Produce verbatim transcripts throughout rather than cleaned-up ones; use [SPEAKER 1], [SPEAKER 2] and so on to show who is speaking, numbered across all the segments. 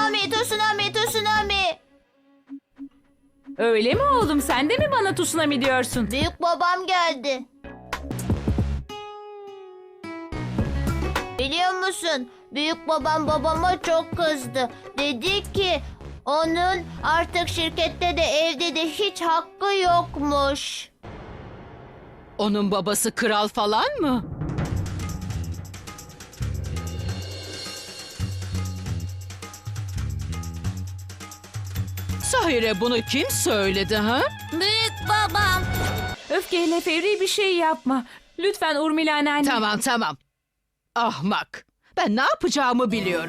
[SPEAKER 1] Tsunami, tsunami, tsunami.
[SPEAKER 2] Öyle mi oğlum? Sen de mi bana tsunami diyorsun?
[SPEAKER 1] Büyük babam geldi. Biliyor musun? Büyük babam babama çok kızdı. Dedi ki onun artık şirkette de evde de hiç hakkı yokmuş.
[SPEAKER 3] Onun babası kral falan mı? Sahire bunu kim söyledi ha?
[SPEAKER 1] Büyük babam.
[SPEAKER 2] Öfkeyle fevri bir şey yapma. Lütfen Urmila anneanne.
[SPEAKER 3] Tamam tamam. Ahmak. Ben ne yapacağımı biliyorum.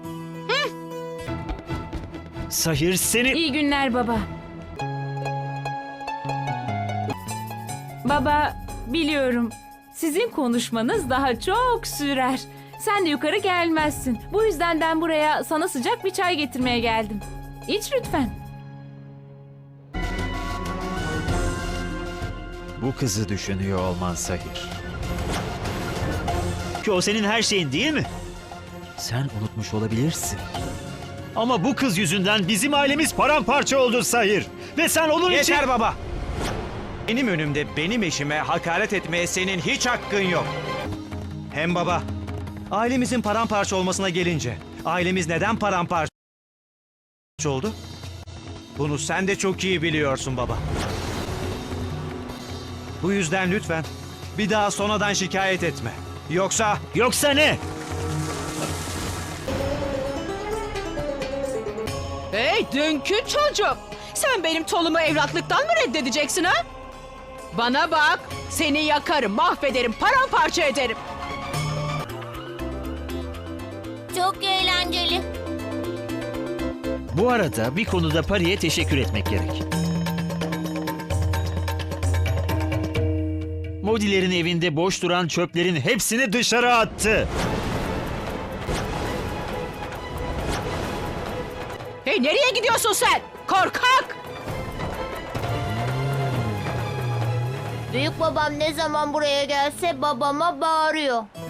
[SPEAKER 4] Sahir seni...
[SPEAKER 2] İyi günler baba. Baba, biliyorum. Sizin konuşmanız daha çok sürer. Sen de yukarı gelmezsin. Bu yüzden ben buraya sana sıcak bir çay getirmeye geldim. İç lütfen.
[SPEAKER 4] Bu kızı düşünüyor olman Sahir. Ki o senin her şeyin değil mi? Sen unutmuş olabilirsin. Ama bu kız yüzünden bizim ailemiz paramparça oldu Sahir. Ve sen onun için...
[SPEAKER 5] Yeter baba. Benim önümde benim eşime hakaret etmeye senin hiç hakkın yok. Hem baba, ailemizin paramparça olmasına gelince, ailemiz neden paramparça oldu? Bunu sen de çok iyi biliyorsun baba. Bu yüzden lütfen bir daha sonradan şikayet etme. Yoksa...
[SPEAKER 4] Yoksa ne?
[SPEAKER 3] Hey dünkü çocuk. Sen benim tolumu evlatlıktan mı reddedeceksin ha? Bana bak. Seni yakarım, mahvederim, paramparça ederim.
[SPEAKER 1] Çok eğlenceli.
[SPEAKER 4] Bu arada bir konuda Pari'ye teşekkür etmek gerek. Modilerin evinde boş duran çöplerin hepsini dışarı attı.
[SPEAKER 3] Hey nereye gidiyorsun sen? Korkak!
[SPEAKER 1] Büyük babam ne zaman buraya gelse babama bağırıyor.